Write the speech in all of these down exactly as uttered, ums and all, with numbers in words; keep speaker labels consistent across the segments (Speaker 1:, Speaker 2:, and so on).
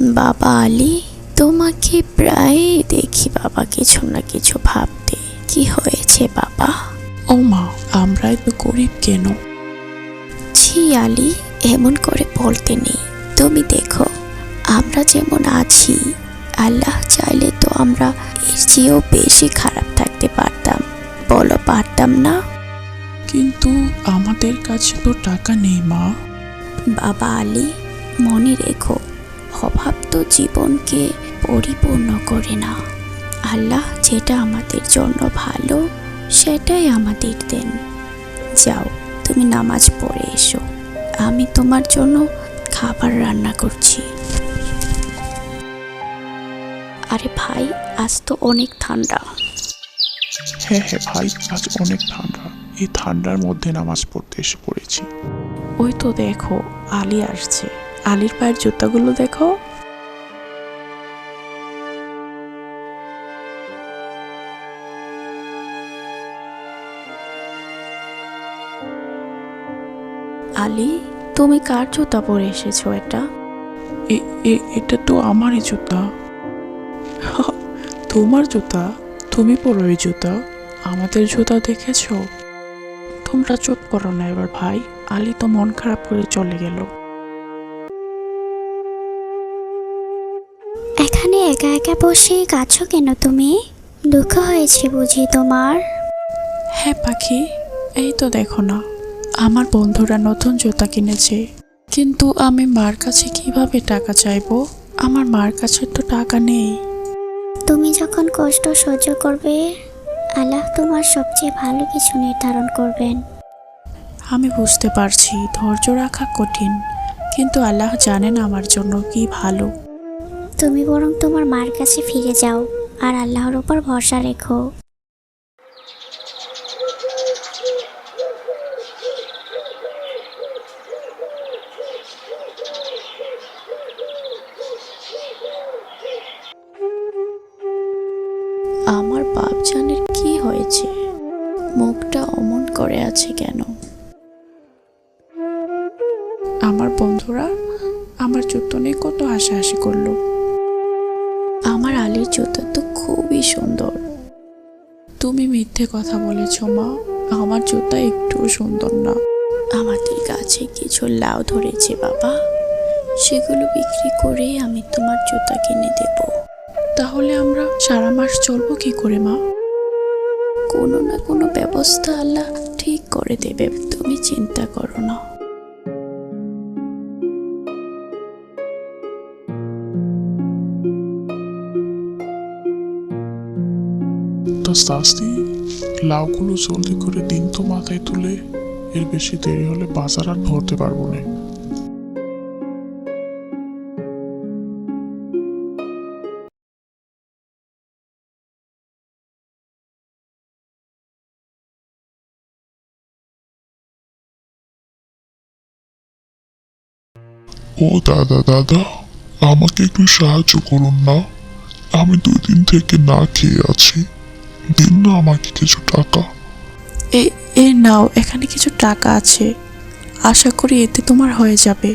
Speaker 1: বাবা আলী, তোমাকে প্রায় দেখি বাবা কিছু না কিছু ভাবতে। কি হয়েছে বাবা?
Speaker 2: ও মা, আমরা এত গরিব কেন?
Speaker 1: ছি আলী, এমন করে বলতে নেই। তুমি দেখো, আমরা যেমন আছি, আল্লাহ চাইলে তো আমরা এর চেয়েও বেশি খারাপ থাকতে পারতাম। বলো, পারতাম না?
Speaker 2: কিন্তু আমাদের কাছে তো টাকা নেই মা।
Speaker 1: বাবা আলী, মনে রেখো, অভাব তো জীবনকে পরিপূর্ণ করে না। আল্লাহ যেটা আমাদের জন্য ভালো সেটাই আমাদের দেন। যাও, তুমি নামাজ পড়ে এসো, আমি তোমার জন্য খাবার রান্না করছি। আরে ভাই, আজ তো অনেক ঠান্ডা।
Speaker 3: হ্যাঁ হ্যাঁ ভাই, আজ অনেক ঠান্ডা। এই ঠান্ডার মধ্যে নামাজ পড়তে এসে পড়েছি।
Speaker 2: ওই তো দেখো, আলী আসছে। আলীর পায়ের জুতাগুলো দেখো।
Speaker 1: আলী, তুমি কার জুতা পরে এসেছো? এটা
Speaker 2: এ- এ- এটা তো আমারই জুতা। তোমার জুতা? তুমি পরো এই জুতা? আমাদের জুতা দেখেছো? তোমরা চুপ করো না এবার ভাই। আলী তো মন খারাপ করে চলে গেল।
Speaker 4: এখানে একা একা বসে কাঁদছো কেন তুমি? দুঃখ হয়েছে বুঝি তোমার?
Speaker 2: হ্যাঁ পাখি, এই তো দেখো না, আমার বন্ধুরা নতুন জুতা কিনেছে, কিন্তু আমি মার কাছে কিভাবে টাকা চাইবো? আমার মার কাছে তো টাকা নেই।
Speaker 4: তুমি যখন কষ্ট সহ্য করবে, আল্লাহ তোমার সবচেয়ে ভালো কিছু নির্ধারণ করবেন।
Speaker 2: আমি বুঝতে পারছি ধৈর্য রাখা কঠিন, কিন্তু আল্লাহ জানেন আমার জন্য কি ভালো।
Speaker 4: তুমি বরং তোমার মার কাছে ফিরে যাও আর আল্লাহর উপর ভরসা রেখো।
Speaker 1: আমার বাপজানের কি হয়েছে? মুখটা অমন করে আছে কেন?
Speaker 2: আমার বন্ধুরা আমার জুতো নিয়ে কত হাসাহাসি করলো।
Speaker 1: আমার আলীর জুতা তো খুবই সুন্দর।
Speaker 2: তুমি মিথ্যে কথা বলেছ মা, আমার জুতা একটুও সুন্দর না।
Speaker 1: আমাদের গাছে কিছু লাউ ধরেছে বাবা, সেগুলো বিক্রি করে আমি তোমার জুতা কিনে দেব।
Speaker 2: তাহলে আমরা সারা মাস চলবো কি করে মা?
Speaker 1: কোনো না কোনো ব্যবস্থা আল্লাহ ঠিক করে দেবে, তুমি চিন্তা করো না।
Speaker 3: তো শাস্তি, লাউগুলো জলদি করে দিন তো মাথায় তুলে। এর বেশি দেরি হলে বাজার আর ধরতে পারবো না। ও দাদা দাদা, আমাকে একটু সাহায্য করুন না। আমি দুই দিন থেকে না খেয়ে আছি, দিন না আমাকে কিছু টাকা।
Speaker 2: এ এ নাও, এখানে কিছু টাকা আছে, আশা করি এতে তোমার হয়ে যাবে।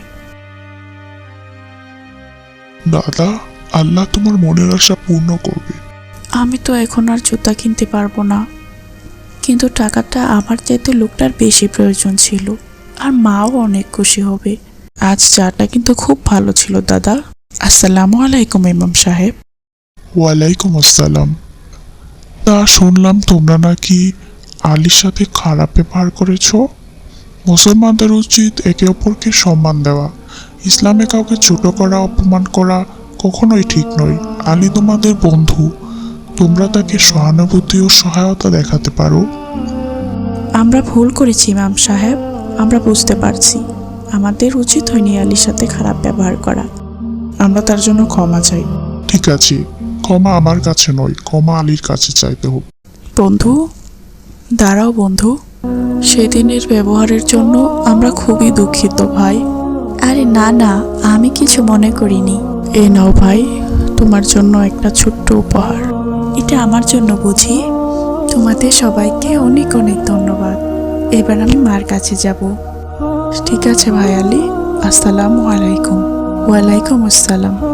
Speaker 3: দাদা, আল্লাহ তোমার মনের আশা পূর্ণ করবে।
Speaker 2: আমি তো এখন আর জুতা কিনতে পারবো না, কিন্তু টাকাটা আমার চাইতে লোকটার বেশি প্রয়োজন ছিল, আর মাও অনেক খুশি হবে। আজ চাটা কিন্তু খুব ভালো ছিল দাদা। আসসালামু আলাইকুম ইমাম সাহেব।
Speaker 3: ওয়ালাইকুম আসসালাম। তা শুনলাম তোমরা নাকি আলীর সাথে খারাপ ব্যবহার করেছ। মুসলমানদের উচিত একে অপরকে সম্মান দেওয়া। ইসলামে কাউকে ছোট করা, অপমান করা কখনোই ঠিক নয়। আলী তোমাদের বন্ধু, তোমরা তাকে সহানুভূতি ও সহায়তা দেখাতে পারো।
Speaker 2: আমরা ভুল করেছি ইমাম সাহেব, আমরা বুঝতে পারছি আমাদের উচিত হয়নি আলীর সাথে খারাপ ব্যবহার করা। আমরা তার জন্য ক্ষমা চাই।
Speaker 3: ঠিক আছে, ক্ষমা আমার কাছে নয়, ক্ষমা আলীর কাছে চাইতে হবে।
Speaker 2: বন্ধু, দাঁড়াও বন্ধু, সেদিনের ব্যবহারের জন্য আমরা খুবই দুঃখিত ভাই।
Speaker 1: আরে না না, আমি কিছু মনে করিনি।
Speaker 2: এ নাও ভাই, তোমার জন্য একটা ছোট্ট উপহার।
Speaker 1: এটা আমার জন্য বুঝি?
Speaker 2: তোমাদের সবাইকে অনেক অনেক ধন্যবাদ। এবার আমি মার কাছে যাব। ঠিক আছে ভাই আলী, আসসালামু আলাইকুম। ওয়ালাইকুম আসসালাম।